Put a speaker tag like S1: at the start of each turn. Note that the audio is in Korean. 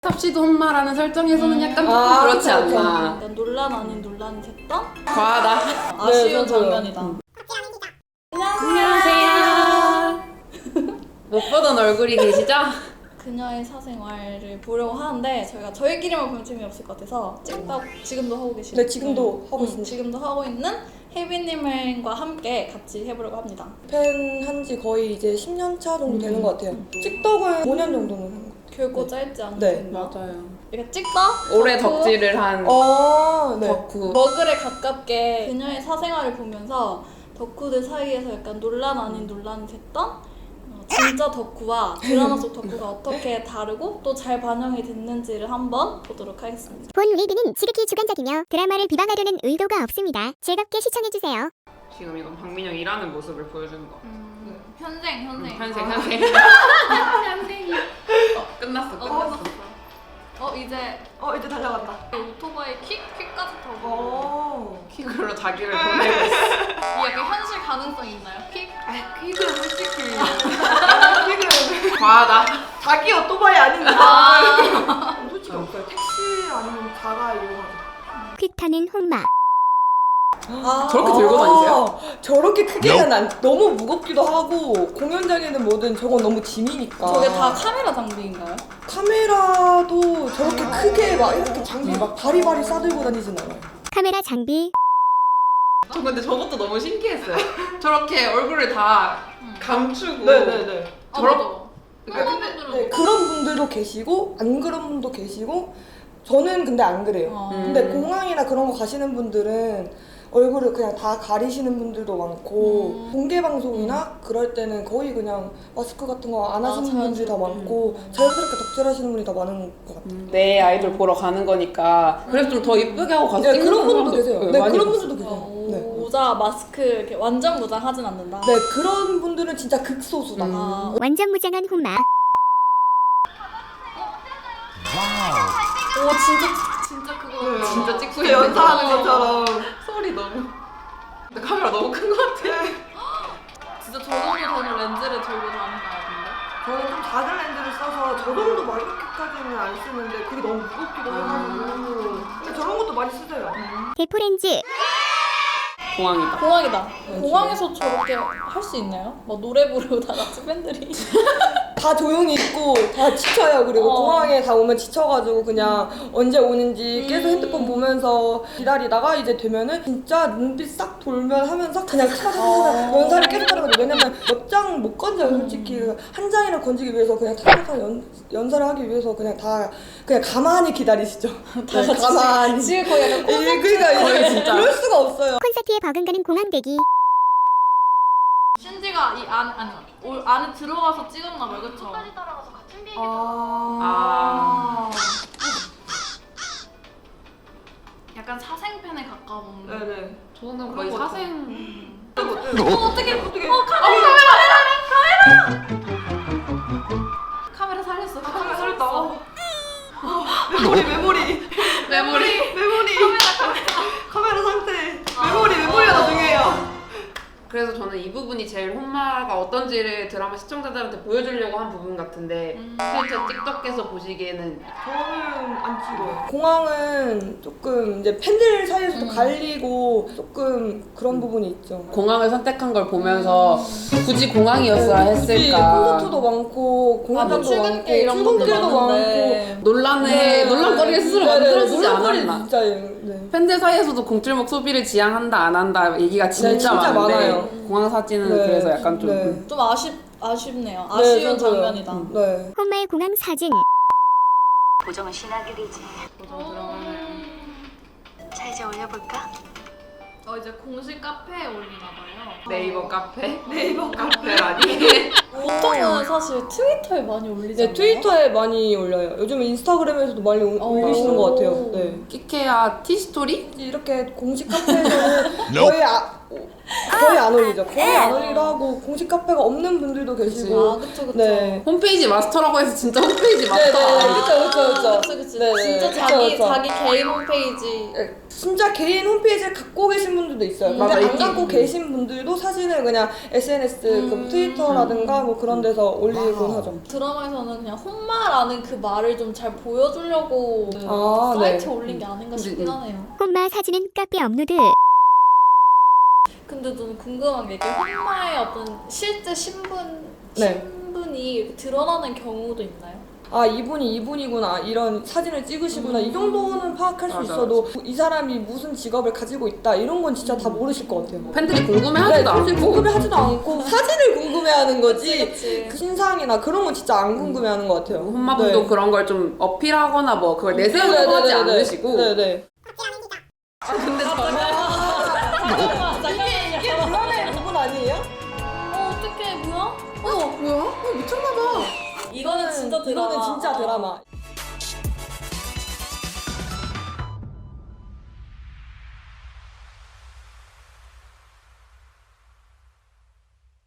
S1: 섭씨도 혼마라는 설정에서는 약간 조금 그렇지 않나.
S2: 약간 논란 아닌 논란이 됐던
S1: 과하다.
S2: 아쉬운 장면이다.
S1: 안녕하세요. 못 보던 얼굴이 계시죠?
S2: 그녀의 사생활을 보려고 하는데 저희끼리만 보면 재미없을 것 같아서 찍다 지금도 하고 계시죠?
S3: 네, 지금도 하고 있습니다.
S2: 지금도 하고 있는 혜빈님과 함께 같이 해보려고 합니다.
S3: 팬 한지 거의 이제 10년 차 정도 되는 것 같아요. 찍덕은 5년 정도는 한 것 같아요.
S2: 결코 짧지 않은
S3: 네.
S1: 맞아요.
S2: 이렇게 찍다
S1: 올해 덕질을 한
S3: 네.
S1: 덕후.
S2: 머글에 가깝게 그녀의 사생활을 보면서 덕후들 사이에서 약간 논란 아닌 논란이 됐던 진짜 덕후와 드라마 속 덕후가 어떻게 다르고 또 잘 반영이 됐는지를 한번 보도록 하겠습니다.
S4: 본 리뷰는 지극히 주관적이며 드라마를 비방하려는 의도가 없습니다. 즐겁게 시청해주세요.
S1: 지금 이건 박민영 일하는 모습을 보여주는 거.
S2: 현생.
S1: 현생.
S2: 현생이.
S1: 끝났어.
S2: 이제
S3: 이제 달려갔다.
S2: 오토바이 킥까지 타고
S1: 킥으로 자기를 보내고 있어.
S2: 이 약간 현실 가능성 있나요? 킥?
S3: 퀵은 솔직히 퀵은
S1: 과하다.
S3: 자기 오토바이 아닌가? 솔직히 없어요. 택시 아니면 자가 이용하죠.
S4: 퀵 타는 혼마.
S1: 저렇게 들고 다니세요?
S3: 저렇게 크게는 안, 너무 무겁기도 하고 공연장에는 뭐든 저건 너무 짐이니까.
S2: 저게 다 카메라 장비인가요?
S3: 카메라도 저렇게 크게 막 이렇게 장비 막 바리바리 싸들고 다니진 않아요.
S4: 카메라 장비.
S1: 저 근데 저것도 너무 신기했어요. 저렇게 얼굴을 다 감추고.
S3: 네네네.
S1: 저렇게
S3: 네, 그런 분들도 계시고 안 그런 분도 계시고 저는 근데 안 그래요. 근데 공항이나 그런 거 가시는 분들은 얼굴을 그냥 다 가리시는 분들도 많고 공개 방송이나 그럴 때는 거의 그냥 마스크 같은 거 안 하시는 분들이 더 많고 자연스럽게 덕질하시는 분이 더 많은 것 같아요.
S1: 내 아이돌 보러 가는 거니까 그래서 좀 더 이쁘게 하고 가서
S3: 네,
S1: 찍는
S3: 그런 분들도
S1: 사람도
S3: 계세요. 네,
S1: 많이
S3: 그런
S1: 봤어요.
S3: 분들도 계세요. 네.
S2: 모자, 마스크 이렇게 완전 무장하진 않는다.
S3: 네, 그런 분들은 진짜 극소수다.
S4: 완전 무장한 혼마.
S2: 오 진짜 그거
S1: 진짜 찍고
S3: 그 연사하는 것처럼.
S1: 소리 너무. 근데 카메라 너무 큰 것 같아.
S2: 진짜 저 정도 되는 렌즈를 들고 다닌다요 근데?
S3: 저는 좀 작은 렌즈를 써서 저 정도 막 이렇게까지는 안 쓰는데 그게 너무 무겁기도 해가지고 근데 저런 것도 많이 쓰세요.
S4: 대포렌즈.
S1: 공항이다.
S2: 공항이다. 공항에서 저렇게 할 수 있나요? 막 노래 부르고 다 같이 팬들이
S3: 다 조용히 있고 다 지쳐요. 그리고 공항에 다 오면 지쳐가지고 그냥 언제 오는지 계속 핸드폰 보면서 기다리다가 이제 되면은 진짜 눈빛 싹 돌면 하면서 그냥 차차차차 연사를 계속 하는 거죠. 왜냐면 몇 장 못 건져요 솔직히. 한 장이나 건지기 위해서 그냥 차차차 연사를 하기 위해서 그냥 다 그냥 가만히 기다리시죠. 네, 가만히.
S2: 지금 거의 약간
S3: 그러니까
S1: 거의 진짜.
S3: 그럴 수가 없어요.
S4: 콘서트에 버금가는 공항 대기.
S2: 신지가 이 안에 들어가서 찍었나 봐요, 그쵸? 약간 사생팬에 가까운.
S3: 네네.
S1: 저는 거의 사생.
S2: 어떻게? 카메라 살렸어. 카메라 살렸다.
S3: 메모리. 카메라 상태. 메모리가 더 중요해요.
S1: 그래서 저는 이 부분이 제일 혼마가 어떤지를 드라마 시청자들한테 보여주려고 한 부분 같은데 실제 틱톡에서 보시기에는
S3: 저는 안 찍어요. 공항은 조금 이제 팬들 사이에서도 갈리고 조금 그런 부분이 있죠.
S1: 공항을 선택한 걸 보면서 굳이 공항이었어야
S3: 굳이
S1: 했을까.
S3: 콘서트도 많고 공연장도
S2: 출근길
S3: 많고
S2: 이런 것도
S3: 출근길도
S2: 많은데.
S1: 논란거리를 스스로 만들어주지 않았나.
S3: 진짜예요. 네.
S1: 팬들 사이에서도 공줄목 소비를 지향한다 안 한다 얘기가 진짜,
S3: 진짜
S1: 많은데
S3: 많아요.
S1: 공항 사진은
S3: 네.
S1: 그래서 약간 좀
S3: 네.
S2: 좀 아쉽네요. 아쉬운
S3: 저도요.
S2: 장면이다.
S3: 네.
S4: 혼마의 공항 사진.
S5: 보정은 신하들이지. 자 이제 올려볼까?
S2: 이제 공식 카페에 올리나 봐요.
S1: 네이버 카페라니.
S2: 보통은 사실 트위터에 많이 올리잖아요.
S3: 네, 트위터에 많이 올려요. 요즘 인스타그램에서도 많이 올리시는 것 같아요. 네.
S1: 키케야 티스토리?
S3: 이렇게 공식 카페에서는 거의 안 올리죠. 거의 안 올리기도 하고 공식 카페가 없는 분들도 계시고.
S2: 그쵸.
S3: 네.
S1: 홈페이지 마스터라고 해서 진짜 홈페이지 마스터.
S3: 네네. 그쵸.
S2: 그치.
S3: 네네.
S2: 진짜 자기 개인 홈페이지.
S3: 진짜 개인 홈페이지를 갖고 계신 분들도 있어요. 근데
S1: 맞아,
S3: 안
S1: 있긴
S3: 갖고
S1: 있지.
S3: 계신 분들도 사진을 그냥 SNS, 그 트위터라든가 뭐 그런 데서 올리곤 하죠.
S2: 드라마에서는 그냥 홈마라는 그 말을 좀 잘 보여주려고
S3: 아, 네.
S2: 사이트에 올린 게 아닌가 싶긴 하네요.
S4: 홈마 사진은 카페 업로드.
S2: 근데 저는 궁금한 게 이게 홈마의 어떤 실제 신분이 이렇게 드러나는 경우도 있나요?
S3: 아, 이분이 이분이구나, 이런 사진을 찍으시구나, 이 정도는 파악할 수
S1: 맞아,
S3: 있어도 이 사람이 무슨 직업을 가지고 있다 이런 건 진짜 다 모르실 것 같아요.
S1: 팬들이 궁금해하지도 않고.
S3: 사실 궁금해하지도 않고 사진을 궁금해하는 거지.
S2: 그치.
S3: 그 신상이나 그런 건 진짜 안 궁금해하는 것 같아요.
S1: 홈마분도
S3: 네.
S1: 그런 걸 좀 어필하거나 뭐 그걸 내세우려고 하지 않으시고.
S3: 네네.
S1: 근데 저는
S3: 이게 드라마의 부분 아니에요?
S2: 어떡해, 뭐야?
S1: 뭐야? 미쳤나봐.
S2: 이거는 진짜 드라마.
S3: 이거는 진짜 드라마.